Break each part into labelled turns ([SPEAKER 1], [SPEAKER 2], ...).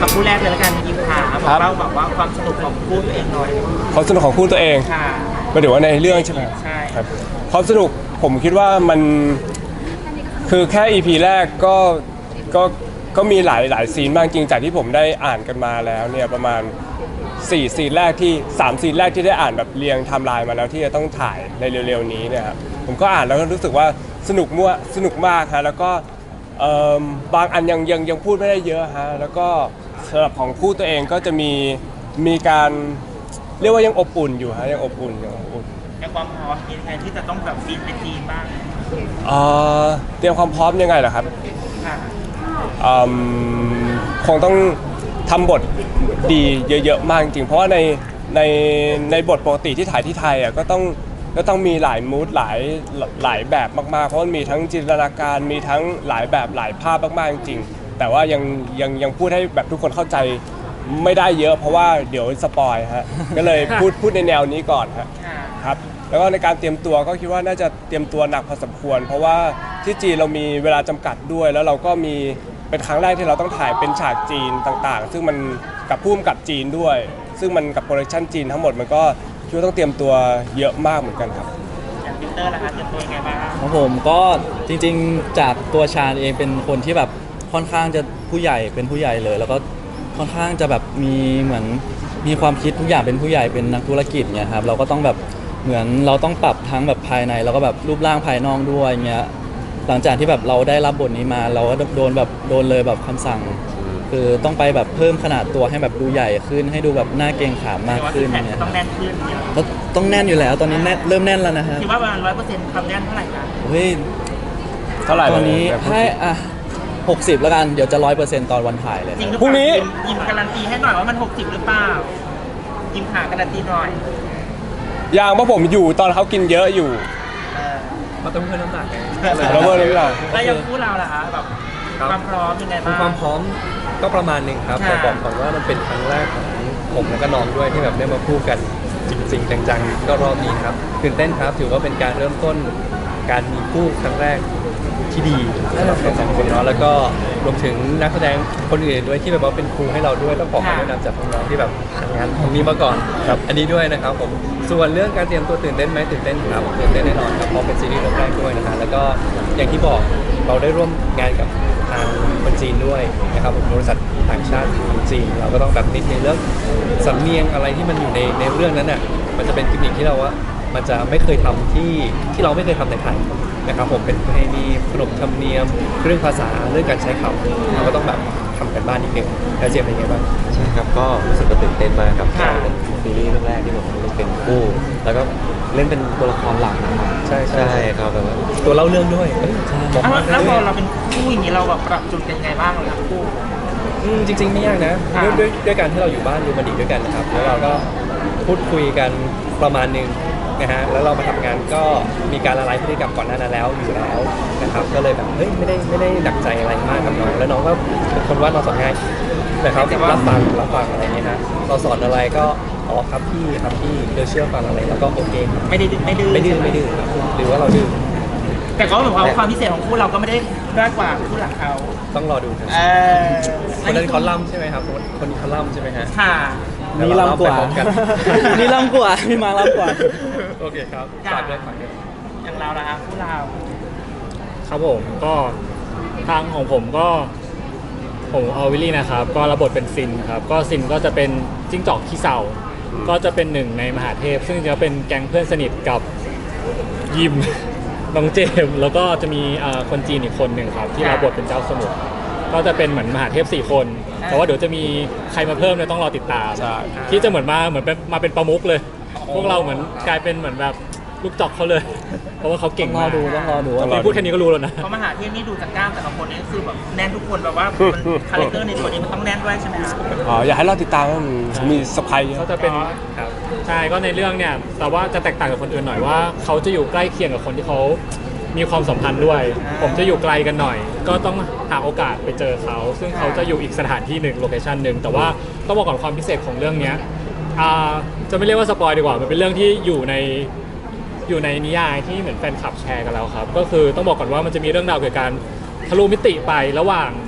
[SPEAKER 1] กับคู่แรกเลยละกันยิมขาบอกเล่าแบบว่าความสนุกของคู่ตัวเองหน่อย
[SPEAKER 2] ความสนุกของคู่ตัวเอง
[SPEAKER 1] ค่ะ
[SPEAKER 2] หมายถึงว่าในเรื่องใช่ไหม
[SPEAKER 1] ใช่
[SPEAKER 2] ครับความสนุกผมคิดว่ามันคือแค่ EP แรกก็มีหลายซีนมากจริงจากที่ผมได้อ่านกันมาแล้วเนี่ยประมาณ4ซีนแรกที่3ซีนแรกที่ได้อ่านแบบเรียงไทม์ไลน์มาแล้วที่จะต้องถ่ายในเร็วๆนี้เนี่ยครับผมก็อ่านแล้วก็รู้สึกว่าสนุกมากฮะแล้วก็บางอันยังพูดไม่ได้เยอะฮะแล้วก็สำหรับของคู่ตัวเองก็จะมีการเรียกว่ายังอบอุ่นอยู่ฮะยังอบอุ่น
[SPEAKER 1] ในความพร้อมมีใครที่จะต้องแบบฟีดเป็นทีมบ้าง
[SPEAKER 2] เตรียมความพร้อมยังไงเหรอครับ
[SPEAKER 1] ค่ะ
[SPEAKER 2] คงต้องทำบทดีเยอะๆมากจริงเพราะว่าในบทปกติที่ถ่ายที่ไทยอ่ะก็ต้องมีหลายมูดหลายแบบมากๆเพราะมันมีทั้งจินตนาการมีทั้งหลายแบบหลายภาพมากๆจริงแต่ว่ายังพูดให้แบบทุกคนเข้าใจไม่ได้เยอะเพราะว่าเดี๋ยวสปอยฮะก็เลยพูดในแนวนี้ก่อนครับแล้วก็ในการเตรียมตัวก็คิดว่าน่าจะเตรียมตัวหนักพอสมควรเพราะว่าที่จีนเรามีเวลาจำกัดด้วยแล้วเราก็มีเป็นครั้งแรกที่เราต้องถ่ายเป็นฉากจีนต่างๆซึ่งมันกับพุ่มกับจีนด้วยซึ่งมันกับโปรดักชั่นจีนทั้งหมดมันก็คิดว่าต้องเตรียมตัวเยอะมากเหมือนกันครับ
[SPEAKER 1] อย่างพีเตอร์ล่ะคะเตรียมตัวยังไงบ้าง
[SPEAKER 3] ของผมก็จริงๆจากตัวชาญเองเป็นคนที่แบบค่อนข้างจะผู้ใหญ่เป็นผู้ใหญ่เลยแล้วก็ค่อนข้างจะแบบมีเหมือนมีความคิดทุกอย่างเป็นผู้ใหญ่เป็นนักธุรกิจเนี่ยครับเราก็ต้องแบบเหมือนเราต้องปรับทั้งแบบภายในแล้วก็แบบรูปร่างภายนอกด้วยเงี้ยหลังจากที่แบบเราได้รับบทนี้มาเราก็โดนเลยแบบคำสั่งคือต้องไปแบบเพิ่มขนาดตัวให้แบบดูใหญ่ขึ้นให้ดูแบบน่าเกรงขามมากขึ้น
[SPEAKER 1] เนี่ยต้องแน่นขึ้น
[SPEAKER 3] ต้องแน่นอยู่แล้วตอนนี้เริ่มแน่นแล้วนะฮะ
[SPEAKER 1] คิดว่าประมาณ100%ความแน่นเท่าไหร่คะ
[SPEAKER 3] เฮ้ย
[SPEAKER 2] เท่าไหร่
[SPEAKER 3] ตอนนี้ให้60แล้วกันเดี๋ยวจะ100%ตอนวันถ่ายเลย
[SPEAKER 2] พรุ่งนี้
[SPEAKER 1] ยิมการันตีให้หน่อยว่ามัน60หรือเปล่ายิมขาการันตีหน่อย
[SPEAKER 2] อย่างว่าผมอยู่ตอนเขากินเยอะอยู่
[SPEAKER 4] มาต้องเพิ่มน้ำหนักไง
[SPEAKER 2] แล้วเมื่อนี้เรา
[SPEAKER 1] แล้วยังพูดเราล่ะคะแบบความพร้อมยังไงบ้าง
[SPEAKER 4] ความพร้อมก็ประมาณหนึ่งครับแต่บอกก่อนว่ามันเป็นครั้งแรกของผมและก็น้องด้วยที่แบบได้มาพูดกันจริงๆจังๆก็รอบนี้ครับตื่นเต้นครับถือว่าเป็นการเริ่มต้นการมีคู่ครั้งแรกที่ดีสำหรับเราสองคนเนาะแล้วก็รวมถึงนักแสดงคนอื่นด้วยที่แบบว่าเป็นครูให้เราด้วยแล้วขอคำแนะนำจากน้องๆที่แบบทำงานตรงนี้มาก่อนครับอันนี้ด้วยนะครับผมส่วนเรื่องการเตรียมตัวตื่นเต้นไหมตื่นเต้นครับตื่นเต้นแน่นอนครับเพราะเป็นซีรีส์เรื่องแรกด้วยนะฮะแล้วก็อย่างที่บอกเราได้ร่วมงานกับทางคนจีนด้วยนะครับบริษัทต่างชาติของจีนเราก็ต้องแบบนิดในเรื่องสำเนียงอะไรที่มันอยู่ในเรื่องนั้นน่ะมันจะเป็นกิมมิคที่เราว่ามันจะไม่เคยทำที่เราไม่เคยทำในไทยนะครับผมเป็นประเพณีขนบธรรมเนียมเรื่องภาษาเรื่องการใช้คำเราก็ต้องแบบทำกันบ้านนิดนึงแล้วเจมส์เป็นไงบ้าง
[SPEAKER 5] ใช่ครับก็รู้สึกตื่นเต้นมากครับเป็นซีรีส์เรื่องแรกที่ผมเล่นเป็นคู่แล้วก็เล่นเป็นตัวละครหลักนะครับใช่ครับแบบว่า
[SPEAKER 4] ตัวเล่าเรื่องด้วย
[SPEAKER 1] แล้วพอเราเป็นคู่อย่างนี้เราแบบปรับจูนกันยังไงบ้างครับคู่
[SPEAKER 4] จริงๆไม่ยากนะด้วยการที่เราอยู่บ้านดูมันดีด้วยกันนะครับแล้วเราก็พูดคุยกันประมาณนึงนะฮะแล้วเรามาทำงานก็มีการละลายพฤติกรรมก่อนหน้านั้นแล้วอยู่แล้วนะครับก็เลยแบบเฮ้ยไม่ได้ดักใจอะไรมากกับน้องแล้วน้องก็เป็นคนว่าเราสอนง่ายนะครับรับฟังอะไรเงี้ยฮะเราสอนอะไรก็อ๋อครับพี่เดี๋ยวเชื่อฟังอะไรแล้วก็โอเค
[SPEAKER 1] ไม่ดื้อ
[SPEAKER 4] ครับหรือว่าเราดื้อ
[SPEAKER 1] แต่ก็แบบความพิเศษของคู่เราก็ไม่ได้ด้อยกว่าคู่หลักเขา
[SPEAKER 4] ต้องรอดูครับคนนั้นคอลัมน์ใช่ไหมครับคนนี้คอลัมน์ใช่ไหมฮะ
[SPEAKER 1] ค่ะ
[SPEAKER 3] นี่ล่ำกว่านี่ล่ำกว่าพี่มาล่ำกว่า
[SPEAKER 4] โอเคครับฝากด้วย
[SPEAKER 1] อย่างเราละคู่เรา
[SPEAKER 6] ครับผมก็ทางของผมก็ผมออวิลลี่นะครับก็รับบทเป็นซินครับก็ซินก็จะเป็นจิ้งจอกขี้เศร้าก็จะเป็นหนึ่งในมหาเทพซึ่งจะเป็นแก๊งเพื่อนสนิทกับยิมน้องเจมแล้วก็จะมีคนจีนอีกคนหนึ่งครับที่รับบทเป็นเจ้าสมุทรก็จะเป็นเหมือนมหาเทพ4คนแต่ว่าเดี๋ยวจะมีใครมาเพิ่มเนี่ยต้องรอติดตามที่จะเหมือนมาเป็นประมุขเลยพวกเราเหมือนกลายเป็นเหมือนแบบลูกจอกเขาเลยเพราะว่าเขาเก่งมาก
[SPEAKER 3] ต้องรอดู
[SPEAKER 6] พูดแค่นี้ก็รู้แล้วนะ
[SPEAKER 1] เพราะมหาเทพนี่ดูจากกล้ามแต่ละคนนี่คือแบบแน่นทุกคนแบบว่าคาแรคเตอร์ในตัวนี้มันต้องแน่นด้วยใช่ไหมครับ
[SPEAKER 2] อยากให้เราติดตามว่ามีสไปร์
[SPEAKER 6] เขาจะเป็นใช่ก็ในเรื่องเนี่ยแต่ว่าจะแตกต่างจากคนอื่นหน่อยว่าเขาจะอยู่ใกล้เคียงกับคนที่เขามีความสัมพันธ์ด้วยผมจะอยู่ไกลกันหน่อยก็ต้องหาโอกาสไปเจอเขาซึ่งเขาจะอยู่อีกสถานที่หนึ่งโลเคชั่นหนึ่งแต่ว่าต้องบอกก่อนความพิเศษของเรื่องนี้จะไม่เรียกว่าสปอยดีกว่ามันเป็นเรื่องที่อยู่ในนิยายที่เหมือนแฟนคลับแชร์กันแล้วครับก็คือต้องบอกก่อนว่ามันจะมีเรื่องราวเกี่ยวกับการทะลุมิติไประหว่าง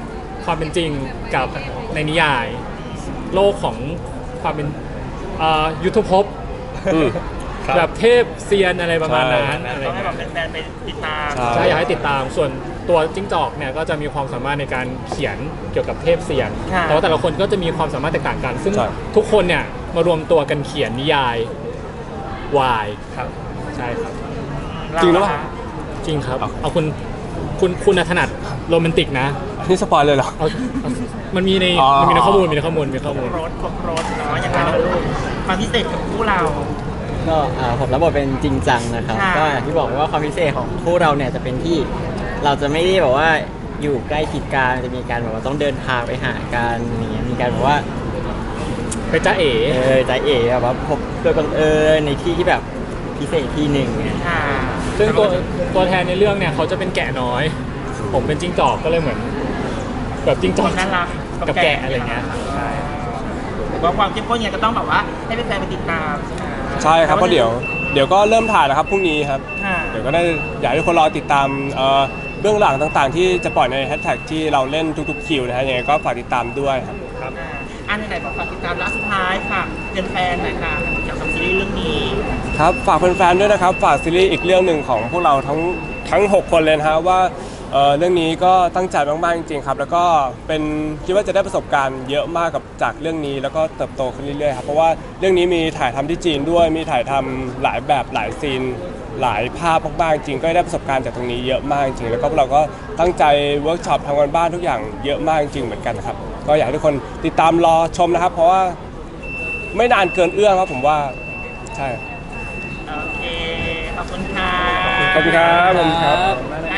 [SPEAKER 6] ความเป็นจริงกับในนิยาย โลกของความเป็นยุทธภพ
[SPEAKER 2] อืม
[SPEAKER 6] แบบเทพเซียนอะไรประมาณนั้นอะไร
[SPEAKER 1] ต้องให้
[SPEAKER 6] เงี้
[SPEAKER 1] แบบ
[SPEAKER 6] ย
[SPEAKER 1] แฟนๆไปติดตาม
[SPEAKER 2] ใช่
[SPEAKER 6] ใช่อยากให้ติดตามส่วนตัวจิ้งจอกเนี่ยก็จะมีความสามารถในการเขียนเกี่ยวกับเทพเซียน
[SPEAKER 1] ค่ะ
[SPEAKER 6] แต่ว่าแต่ละคนก็จะมีความสามารถแตกต่างกัน ซึ่ง
[SPEAKER 2] ใช่
[SPEAKER 6] ทุกคนเนี่ยมารวมตัวกันเขียนนิยายวายครับใช่ครับ
[SPEAKER 2] จริงหรือเปล่า
[SPEAKER 6] จริงครับเอาคุณถนัดโรแมนติกนะ
[SPEAKER 2] นี่สปอยเลยเหรอ
[SPEAKER 6] เอามันมีใน
[SPEAKER 2] อ๋อ
[SPEAKER 6] มันมีในข้อมูลมีข้อมูล
[SPEAKER 1] ครบรถเนาะยังไงนะลูกความพิเศษกับคู่เรา
[SPEAKER 7] ก็ผมรับบทเป็นจริงจังนะครับ
[SPEAKER 1] ค่ะ
[SPEAKER 7] ก็อย่างที่บอกว่าความพิเศษของคู่เราเนี่ยจะเป็นที่เราจะไม่ได้แบบว่าอยู่ใกล้ชิดกันจะมีการแบบว่าต้องเดินทางไปหากันอย่างเงี้ยมีการแบบว่า
[SPEAKER 6] ไปจ้าเอ๋
[SPEAKER 7] ใจเอ๋แบบว่าพบโดยบังเอิญในที่ที่แบบพิเศษที่หนึ่งเนี่ย
[SPEAKER 1] ค่ะ
[SPEAKER 6] ซึ่งตัวแทนในเรื่องเนี่ยเขาจะเป็นแกะน้อย ผมเป็นจิ้งจอกก็เลยเหมือนแบบจิ้งจ
[SPEAKER 1] ค
[SPEAKER 6] อก
[SPEAKER 1] นน่ารัก
[SPEAKER 6] กับแกะอะไรเงี้ยใช่
[SPEAKER 1] ผมว่าความเข้มข้นเนี่ยก็ต้องแบบว่าให้แฟนๆไปติดตามใช่ไหม
[SPEAKER 2] ใช่ครับเพราะเดี๋ยวก็เริ่มถ่ายแล้วครับพรุ่งนี้ครับ
[SPEAKER 1] ค่ะ
[SPEAKER 2] เดี๋ยวก็ได้อยากให้ทุกคนรอติดตามเบื้องหลังต่างๆ ที่จะปล่อยในแฮชแท็กที่เราเล่นทุกๆคิวนะฮะยังไงก็ฝากติดตามด้วยครับ
[SPEAKER 1] อันไหนบอกฝากติดตามแล้วสุดท้ายค่ะเป็นแฟนหน่อยค่ะเกี่ยวกับซีรีส์เรื่องนี้
[SPEAKER 2] ครับฝากแฟนๆด้วยนะครับฝากซีรีส์อีกเรื่องหนึ่งของพวกเราทั้ง 6 คนเลยนะฮะว่าเรื่องนี้ก็ตั้งใจมากๆจริงๆครับแล้วก็เป็นคิดว่าจะได้ประสบการณ์เยอะมากกับจากเรื่องนี้แล้วก็เติบโตขึ้นเรื่อยๆครับเพราะว่าเรื่องนี้มีถ่ายทำที่จีนด้วยมีถ่ายทำหลายแบบหลายซีนหลายภาพมากๆจริงก็ได้ประสบการณ์จากตรงนี้เยอะมากจริงแล้วก็พวกเราก็ตั้งใจเวิร์กช็อปทำงานบ้านทุกอย่างเยอะมากจริงเหมือนกันครับก็อยากให้ทุกคนติดตามรอชมนะครับ เพราะว่าไม่นานเกินเอื้อมครับผมว่าใช่
[SPEAKER 1] โอเค ขอบคุณค่ะ
[SPEAKER 2] ขอบคุณครับขอบคุณครับ
[SPEAKER 1] อ่